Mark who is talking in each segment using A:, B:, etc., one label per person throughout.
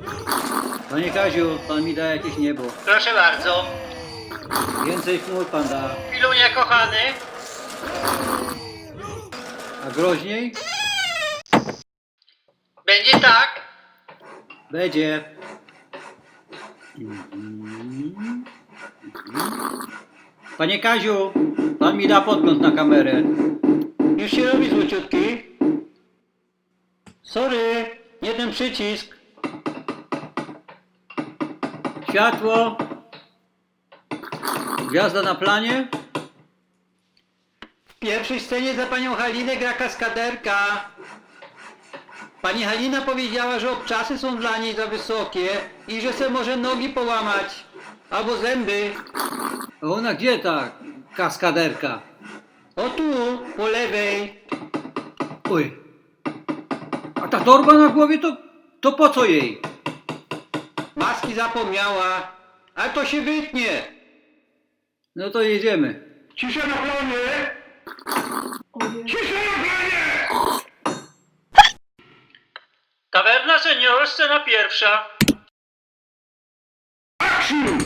A: Panie Kaziu, pan mi da jakieś niebo.
B: Proszę bardzo.
A: Więcej chmur pan da.
B: Pilunia kochany.
A: A groźniej?
B: Będzie tak.
A: Będzie. Panie Kaziu, pan mi da podgląd na kamerę. Już się robi złociutki. Sorry, nie ten przycisk. Światło. Gwiazda na planie. W pierwszej scenie za panią Halinę gra kaskaderka. Pani Halina powiedziała, że obczasy są dla niej za wysokie i że se może nogi połamać. Albo zęby. A ona gdzie ta kaskaderka? O tu, po lewej. Oj. A ta torba na głowie to po co jej? Maski zapomniała. Ale to się wytnie. No to jedziemy.
C: Cisza na planie! Cisza na planie!
B: Tawerna Senior, scena pierwsza.
C: Action!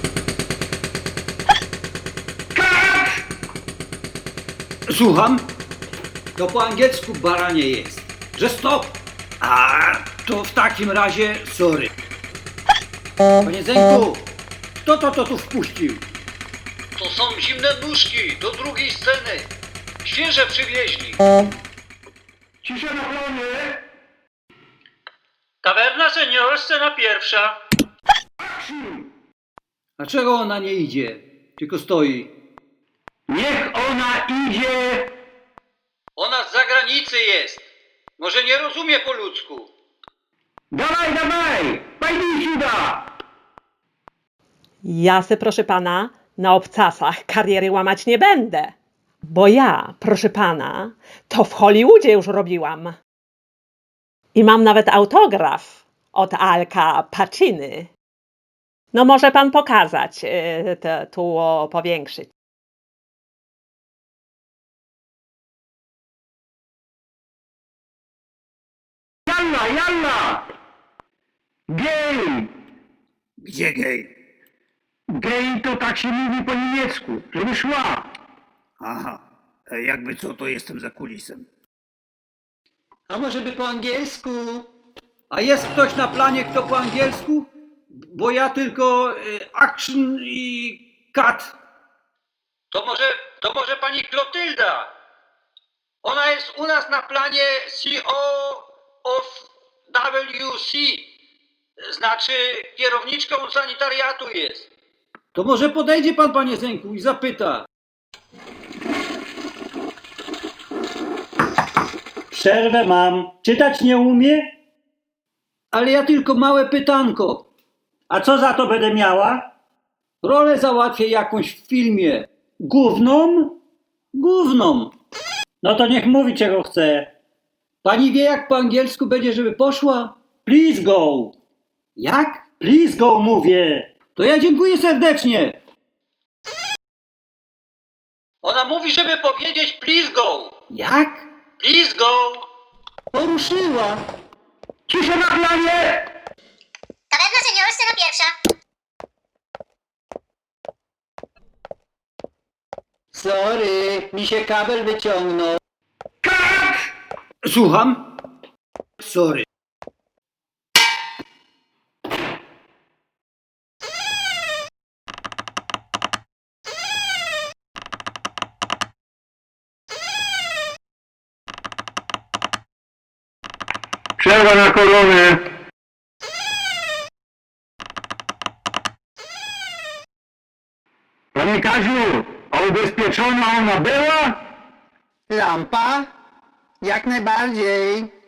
C: Cut!
A: Słucham? To po angielsku baranie jest. Że stop! A to w takim razie sorry. Panie Zenku, kto to tu wpuścił? To są zimne nóżki do drugiej sceny. Świeże przywieźli.
C: Cisza na planie!
B: Tawerna Senior, scena pierwsza.
C: Action!
A: A czego ona nie idzie? Tylko stoi.
C: Niech ona idzie!
A: Ona z zagranicy jest. Może nie rozumie po ludzku.
C: Dawaj, dawaj! Pajnij siuda!
D: Ja se, proszę pana, na obcasach kariery łamać nie będę. Bo ja, proszę pana, to w Hollywoodzie już robiłam. I mam nawet autograf od Alka Paciny. No może pan pokazać, tu powiększyć.
C: Jalla, jalla! Gej!
A: Gdzie gej?
C: Gej to tak się mówi po niemiecku, żeby szła.
A: Aha, jakby co, to jestem za kulisem. A może by po angielsku? A jest ktoś na planie, kto po angielsku? Bo ja tylko action i cut. To może pani Klotylda? Ona jest u nas na planie CO of WC. Znaczy kierowniczką sanitariatu jest. To może podejdzie pan, panie Zenku, i zapyta. Przerwę mam. Czytać nie umie? Ale ja tylko małe pytanko. A co za to będę miała? Rolę załatwię jakąś w filmie. Główną? Główną. No to niech mówi, czego chce. Pani wie, jak po angielsku będzie, żeby poszła? Please go. Jak? Please go mówię. To ja dziękuję serdecznie. Ona mówi, żeby powiedzieć please go. Jak? Please go. Poruszyła.
C: Cisza na planie!
E: Tawerna Senior, scena pierwsza.
A: Sorry, mi się kabel wyciągnął.
C: Cut!
A: Słucham? Sorry.
C: Przerwa na koronę. Panie Kaziu, a ubezpieczona ona była?
F: Lampa? Jak najbardziej.